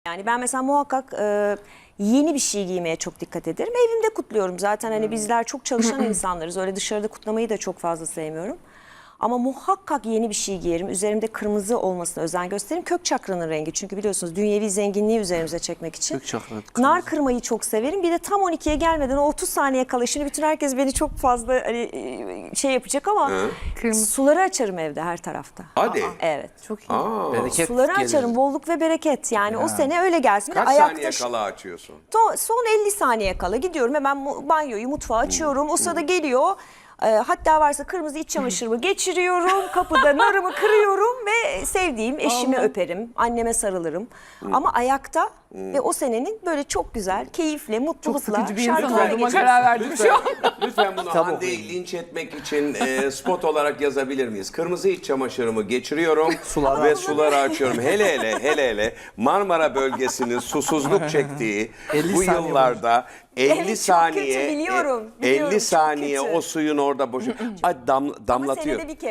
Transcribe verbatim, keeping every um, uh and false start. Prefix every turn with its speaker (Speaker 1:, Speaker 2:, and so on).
Speaker 1: Yani ben mesela muhakkak e, yeni bir şey giymeye çok dikkat ederim. Evimde kutluyorum zaten, hani bizler çok çalışan insanlarız. Öyle dışarıda kutlamayı da çok fazla sevmiyorum. Ama muhakkak yeni bir şey giyerim. Üzerimde kırmızı olmasına özen gösteririm. Kök çakranın rengi, çünkü biliyorsunuz dünyevi zenginliği üzerimize çekmek için.
Speaker 2: Kök çakra,
Speaker 1: Nar kırmayı çok severim. Bir de tam on ikiye gelmeden o otuz saniye kala, şimdi bütün herkes beni çok fazla hani şey yapacak ama suları açarım evde her tarafta.
Speaker 3: Hadi.
Speaker 1: Evet.
Speaker 4: Çok iyi.
Speaker 3: Aa,
Speaker 2: Bereket
Speaker 1: Suları
Speaker 2: gelir.
Speaker 1: açarım, bolluk ve bereket. Yani o sene öyle gelsin. Bir de
Speaker 3: kaç
Speaker 1: ayakta
Speaker 3: saniye
Speaker 1: şu-
Speaker 3: kala açıyorsun?
Speaker 1: Son, son elli saniye kala gidiyorum, hemen mu- banyoyu, mutfağı açıyorum. O sırada geliyor. e, hatta varsa kırmızı iç çamaşırımı geçiriyorum. Kapıda narımı kırıyorum ve sevdiğim eşimi öperim. Anneme sarılırım. Ama ayakta ve o senenin böyle çok güzel, keyifle,
Speaker 4: Çok
Speaker 1: mutlulukla
Speaker 4: sıkıcı bir insan
Speaker 1: şarkılar
Speaker 4: olduğuma
Speaker 1: geçiyorum.
Speaker 4: karar verdim şu an.
Speaker 3: Lütfen bunu
Speaker 2: Kitap
Speaker 3: Hande'yi
Speaker 2: okuyun.
Speaker 3: linç etmek için e, spot olarak yazabilir miyiz? Kırmızı iç çamaşırımı geçiriyorum
Speaker 2: Suları
Speaker 3: ve
Speaker 2: açıyorum.
Speaker 3: suları açıyorum. Hele hele hele hele Marmara bölgesinin susuzluk çektiği
Speaker 2: elli
Speaker 3: bu
Speaker 2: saniye
Speaker 3: yıllarda elli
Speaker 1: Evet, çok
Speaker 3: saniye
Speaker 1: kötü, biliyorum,
Speaker 3: e,
Speaker 1: biliyorum,
Speaker 3: elli
Speaker 1: çok
Speaker 3: saniye
Speaker 1: kötü.
Speaker 3: o suyun orada boşu Ay, dam,
Speaker 1: Ama
Speaker 3: damlatıyor.
Speaker 1: senede bir kere.